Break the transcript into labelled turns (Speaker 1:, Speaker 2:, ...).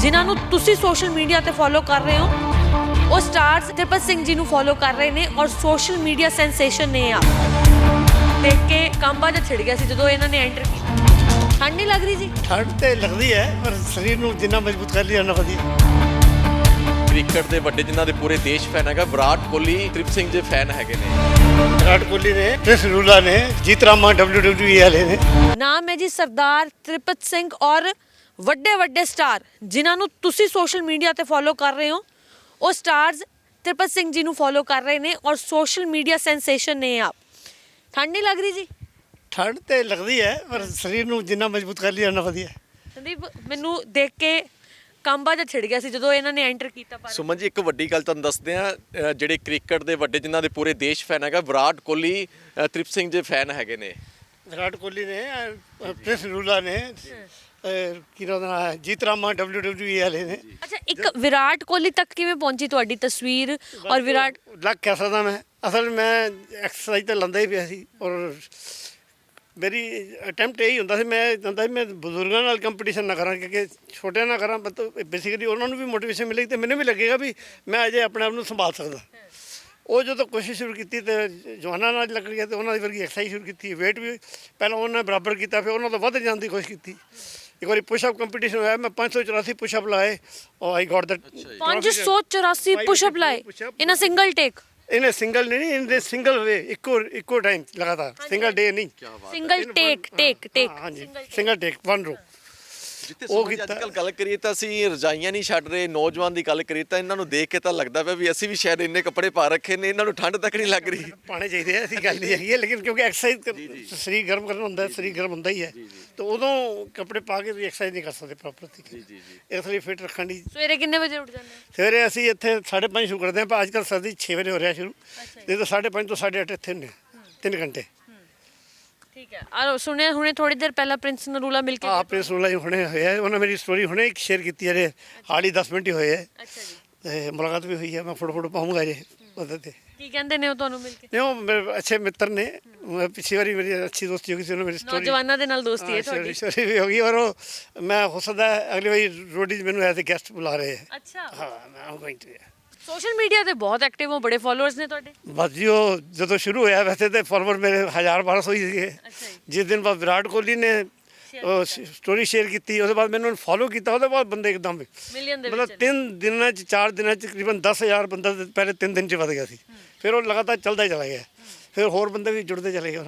Speaker 1: ਜਿਨ੍ਹਾਂ ਨੂੰ ਤੁਸੀਂ ਸੋਸ਼ਲ ਮੀਡੀਆ ਤੇ ਫੋਲੋ ਕਰ ਰਹੇ ਹੋ ਉਹ ਸਟਾਰਸ ਤ੍ਰਿਪਤ ਸਿੰਘ ਜੀ ਨੂੰ ਫੋਲੋ ਕਰ ਰਹੇ ਨੇ ਔਰ ਸੋਸ਼ਲ ਮੀਡੀਆ ਸੈਂਸੇਸ਼ਨ ਨੇ ਆ ਦੇਖ ਕੇ ਕੰਬਾ ਜਿਹਾ ਛਿੜ ਗਿਆ ਸੀ ਜਦੋਂ ਇਹਨਾਂ ਨੇ ਐਂਟਰ ਕੀਤਾ। ਠੰਡ ਨਹੀਂ ਲੱਗ ਰਹੀ ਜੀ?
Speaker 2: ਠੰਡ ਤੇ ਲੱਗਦੀ ਹੈ ਪਰ ਸਰੀਰ ਨੂੰ ਜਿੰਨਾ ਮਜ਼ਬੂਤ ਕਰ ਲਿਆ ਨਾ ਵਧੀਆ।
Speaker 3: ਕ੍ਰਿਕਟ ਦੇ ਵੱਡੇ ਜਿਨ੍ਹਾਂ ਦੇ ਪੂਰੇ ਦੇਸ਼ ਫੈਨ ਹੈਗਾ ਵਿਰਾਟ ਕੋਹਲੀ ਤ੍ਰਿਪਤ ਸਿੰਘ ਦੇ ਫੈਨ ਹੈਗੇ ਨੇ।
Speaker 2: ਵਿਰਾਟ ਕੋਹਲੀ ਨੇ ਕ੍ਰਿਸ ਰੂਲਾ ਨੇ ਜੀਤ ਰਾਮਾ WWE ਵਾਲੇ ਨੇ।
Speaker 1: ਨਾਮ ਹੈ ਜੀ ਸਰਦਾਰ ਤ੍ਰਿਪਤ ਸਿੰਘ ਔਰ ਵੱਡੇ ਵੱਡੇ ਸਟਾਰ ਜਿਨ੍ਹਾਂ ਨੂੰ ਤੁਸੀਂ ਸੋਸ਼ਲ ਮੀਡੀਆ ਤੇ ਫੋਲੋ ਕਰ ਰਹੇ ਹੋ ਉਹ ਸਟਾਰਸ ਤ੍ਰਿਪਤ ਸਿੰਘ ਜੀ ਨੂੰ ਫੋਲੋ ਕਰ ਰਹੇ ਨੇ ਔਰ ਸੋਸ਼ਲ ਮੀਡੀਆ ਸੈਂਸੇਸ਼ਨ ਨੇ ਆਪ। ਠੰਡ ਨਹੀਂ ਲੱਗ ਰਹੀ ਜੀ?
Speaker 2: ਠੰਡ ਤੇ ਲੱਗਦੀ ਹੈ ਪਰ ਸਰੀਰ ਨੂੰ ਜਿੰਨਾ ਮਜ਼ਬੂਤ ਕਰ ਲਿਆ ਨਾ ਵਧੀਆ।
Speaker 1: ਸੰਦੀਪ ਮੈਨੂੰ ਦੇਖ ਕੇ ਕੰਬਾ ਜਿਹਾ ਛਿੜ ਗਿਆ ਸੀ ਜਦੋਂ ਇਹਨਾਂ ਨੇ ਐਂਟਰ ਕੀਤਾ। ਪਰ
Speaker 3: ਸੁਮਨ ਜੀ ਇੱਕ ਵੱਡੀ ਗੱਲ ਤੁਹਾਨੂੰ ਦੱਸਦੇ ਆ ਜਿਹੜੇ ਕ੍ਰਿਕਟ ਦੇ ਵੱਡੇ ਜਿਨ੍ਹਾਂ ਦੇ ਪੂਰੇ ਦੇਸ਼ ਫੈਨ ਹੈਗਾ ਵਿਰਾਟ ਕੋਹਲੀ ਤ੍ਰਿਪਤ ਸਿੰਘ ਦੇ ਫੈਨ ਹੈਗੇ ਨੇ।
Speaker 2: ਵਿਰਾਟ ਕੋਹਲੀ ਨੇ ਕ੍ਰਿਸ ਰੂਲਾ ਨੇ ਕੀ ਨਾਮ ਜੀਤ ਰਾਮਾ WWE ਵਾਲੇ ਨੇ।
Speaker 1: ਅੱਛਾ, ਇੱਕ ਵਿਰਾਟ ਕੋਹਲੀ ਤੱਕ ਕਿਵੇਂ ਪਹੁੰਚੀ ਤੁਹਾਡੀ ਤਸਵੀਰ ਔਰ ਵਿਰਾਟ?
Speaker 2: ਲੱਗ ਕਹਿ ਸਕਦਾ ਮੈਂ ਅਸਲ ਮੈਂ ਐਕਸਰਸਾਈਜ਼ ਤਾਂ ਲੰਦਾ ਹੀ ਪਿਆ ਸੀ ਔਰ ਮੇਰੀ ਅਟੈਂਪਟ ਇਹੀ ਹੁੰਦਾ ਸੀ ਮੈਂ ਚਾਹੁੰਦਾ ਸੀ ਮੈਂ ਬਜ਼ੁਰਗਾਂ ਨਾਲ ਕੰਪੀਟੀਸ਼ਨ ਨਾ ਕਰਾਂ ਕਿਉਂਕਿ ਛੋਟਿਆਂ ਨਾਲ ਕਰਾਂ ਬੇਸਿਕਲੀ ਉਹਨਾਂ ਨੂੰ ਵੀ ਮੋਟੀਵੇਸ਼ਨ ਮਿਲੇਗੀ ਤੇ ਮੈਨੂੰ ਵੀ ਲੱਗੇਗਾ ਵੀ ਮੈਂ ਅਜੇ ਆਪਣੇ ਆਪ ਨੂੰ ਸੰਭਾਲ ਸਕਦਾ। ਉਹ ਜਦੋਂ ਕੋਸ਼ਿਸ਼ ਸ਼ੁਰੂ ਕੀਤੀ ਤੇ ਜਵਾਨਾਂ ਨਾਲ ਲੱਗ ਗਿਆ ਤੇ ਉਹਨਾਂ ਦੀ ਵਰਗੀ ਐਕਸਰਸਾਈਜ਼ ਸ਼ੁਰੂ ਕੀਤੀ। ਵੇਟ ਵੀ ਪਹਿਲਾਂ ਉਹਨਾਂ ਨੇ ਬਰਾਬਰ ਕੀਤਾ ਫਿਰ ਉਹਨਾਂ ਤੋਂ ਵੱਧ ਜਾਣ ਦੀ ਕੋਸ਼ਿਸ਼ ਕੀਤੀ। ਇੱਕ ਵਾਰੀ ਪੁਸ਼ਅਪ ਕੰਪੀਟੀਸ਼ਨ ਹੋਇਆ ਮੈਂ 584 ਪੁਸ਼ਅਪ ਲਾਏ ਔਰ ਆਈ ਗॉट दैट
Speaker 1: 584 ਪੁਸ਼ਅਪ ਲਾਏ ਇਨ ਅ ਸਿੰਗਲ ਟੇਕ।
Speaker 2: ਇਹਨੇ ਸਿੰਗਲ ਨਹੀਂ ਇਹਨੇ ਸਿੰਗਲ ਵੇ ਇੱਕੋ ਟਾਈਮ ਲਗਾਤਾਰ ਸਿੰਗਲ ਡੇ ਨਹੀਂ
Speaker 1: ਸਿੰਗਲ ਟੇਕ
Speaker 2: ਹਾਂਜੀ ਸਿੰਗਲ ਟੇਕ ਵਨ ਰੋ।
Speaker 3: ਜਿੱਥੇ ਸੁਮਨ ਜੀ ਅੱਜ ਕੱਲ੍ਹ ਗੱਲ ਕਰੀਏ ਤਾਂ ਅਸੀਂ ਰਜਾਈਆਂ ਨਹੀਂ ਛੱਡ ਰਹੇ। ਨੌਜਵਾਨ ਦੀ ਗੱਲ ਕਰੀਏ ਤਾਂ ਇਹਨਾਂ ਨੂੰ ਦੇਖ ਕੇ ਤਾਂ ਲੱਗਦਾ ਪਿਆ ਵੀ ਅਸੀਂ ਵੀ ਸ਼ਾਇਦ ਇੰਨੇ ਕੱਪੜੇ ਪਾ ਰੱਖੇ ਨੇ ਇਹਨਾਂ ਨੂੰ ਠੰਡ ਤੱਕ ਨਹੀਂ ਲੱਗ ਰਹੀ।
Speaker 2: ਪਾਣੇ ਚਾਹੀਦੇ ਆ ਐਸੀ ਗੱਲ ਨਹੀਂ ਹੈਗੀ ਹੈ ਲੇਕਿਨ ਕਿਉਂਕਿ ਐਕਸਰਸਾਈਜ਼ ਸਰੀਰ ਗਰਮ ਕਰਨਾ ਹੁੰਦਾ ਹੈ ਸਰੀਰ ਗਰਮ ਹੁੰਦਾ ਹੀ ਹੈ ਤਾਂ ਉਦੋਂ ਕੱਪੜੇ ਪਾ ਕੇ ਵੀ ਐਕਸਰਸਾਈਜ਼ ਨਹੀਂ ਕਰ ਸਕਦੇ ਪ੍ਰੋਪਰ ਤਰੀਕੇ ਇਸ ਲਈ ਫਿਟ ਰੱਖਣ ਦੀ।
Speaker 1: ਸਵੇਰੇ ਕਿੰਨੇ ਵਜੇ ਉੱਠ ਜਾਂਦੇ?
Speaker 2: ਸਵੇਰੇ ਅਸੀਂ ਇੱਥੇ 5:30 ਸ਼ੁਰੂ ਕਰਦੇ ਹਾਂ ਪਰ ਅੱਜ ਕੱਲ੍ਹ ਸਰਦੀ 6 ਵਜੇ ਹੋ ਰਿਹਾ ਸ਼ੁਰੂ ਨਹੀਂ ਤਾਂ 5:30 ਤੋਂ 8:30 ਇੱਥੇ ਹੁੰਦੇ 3 ਘੰਟੇ।
Speaker 1: ਠੀਕ ਹੈ। ਔਰ ਸੁਣਿਆ ਹੁਣੇ ਥੋੜੀ ਦੇਰ ਪਹਿਲਾਂ ਪ੍ਰਿੰਸ ਨਰੂਲਾ ਮਿਲ ਕੇ
Speaker 2: ਆਪਣੇ ਸੁਣਲਾ ਹੁਣੇ ਹੋਇਆ ਉਹਨਾਂ ਮੇਰੀ ਸਟੋਰੀ ਹੁਣੇ ਇੱਕ ਸ਼ੇਅਰ ਕੀਤੀ ਹੈ ਹਾਲ ਹੀ 10 ਮਿੰਟ ਹੀ ਹੋਏ ਹੈ
Speaker 1: ਅੱਛਾ ਜੀ
Speaker 2: ਤੇ ਮੁਲਾਕਾਤ ਵੀ ਹੋਈ ਹੈ ਮੈਂ ਫੋਟੋ ਪਾਉਂਗਾ ਜੇ ਉਹਦੇ ਤੇ।
Speaker 1: ਕੀ ਕਹਿੰਦੇ ਨੇ ਉਹ ਤੁਹਾਨੂੰ ਮਿਲ ਕੇ?
Speaker 2: ਨਹੀਂ ਉਹ ਮੇਰੇ ਅੱਛੇ ਮਿੱਤਰ ਨੇ ਪਿਛਲੀ ਵਾਰੀ ਮੇਰੀ ਅੱਛੀ ਦੋਸਤੀ ਹੋ ਗਈ ਸੀ ਉਹਨਾਂ ਮੇਰੀ ਸਟੋਰੀ
Speaker 1: ਨੌਜਵਾਨਾਂ ਦੇ ਨਾਲ ਦੋਸਤੀ ਹੈ ਤੁਹਾਡੀ?
Speaker 2: ਸਟੋਰੀ ਵੀ ਹੋ ਗਈ ਔਰ ਉਹ ਮੈਂ ਹੋ ਸਕਦਾ ਅਗਲੀ ਵਾਰੀ ਰੋਡੀ ਮੈਨੂੰ ਐਜ਼ ਅ ਗੈਸਟ ਬੁਲਾ ਰਹੇ ਹੈ।
Speaker 1: ਅੱਛਾ,
Speaker 2: ਹਾਂ ਮੈਂ am going to
Speaker 1: social media ਤੇ ਬਹੁਤ ਐਕਟਿਵ ਹੋ, ਬੜੇ ਫਾਲੋਅਰਸ ਨੇ ਤੁਹਾਡੇ?
Speaker 2: ਬਸ ਜੀ ਉਹ ਜਦੋਂ ਸ਼ੁਰੂ ਹੋਇਆ ਵੈਸੇ ਤਾਂ ਫਾਲੋਅਰ ਮੇਰੇ 1000-1200 ਹੀ ਸੀਗੇ।
Speaker 1: ਅੱਛਾ ਜੀ।
Speaker 2: ਜਿਸ ਦਿਨ ਬਾਅਦ ਵਿਰਾਟ ਕੋਹਲੀ ਨੇ ਸਟੋਰੀ ਸ਼ੇਅਰ ਕੀਤੀ ਉਹਦੇ ਬਾਅਦ ਮੈਨੂੰ ਫੋਲੋ ਕੀਤਾ ਉਹਦੇ ਬਾਅਦ ਬੰਦੇ ਇੱਕਦਮ
Speaker 1: ਮਿਲੀਅਨ ਦੇ
Speaker 2: ਮਤਲਬ 3 ਦਿਨਾਂ 'ਚ 4 ਦਿਨਾਂ 'ਚ ਤਕਰੀਬਨ 10,000 ਬੰਦਾ ਪਹਿਲੇ 3 ਦਿਨ 'ਚ ਵਧ ਗਿਆ ਸੀ। ਫਿਰ ਉਹ ਲਗਾਤਾਰ ਚੱਲਦਾ ਹੀ ਚਲਾ ਗਿਆ ਫਿਰ ਹੋਰ ਬੰਦੇ ਵੀ ਜੁੜਦੇ ਚਲੇ ਗਏ।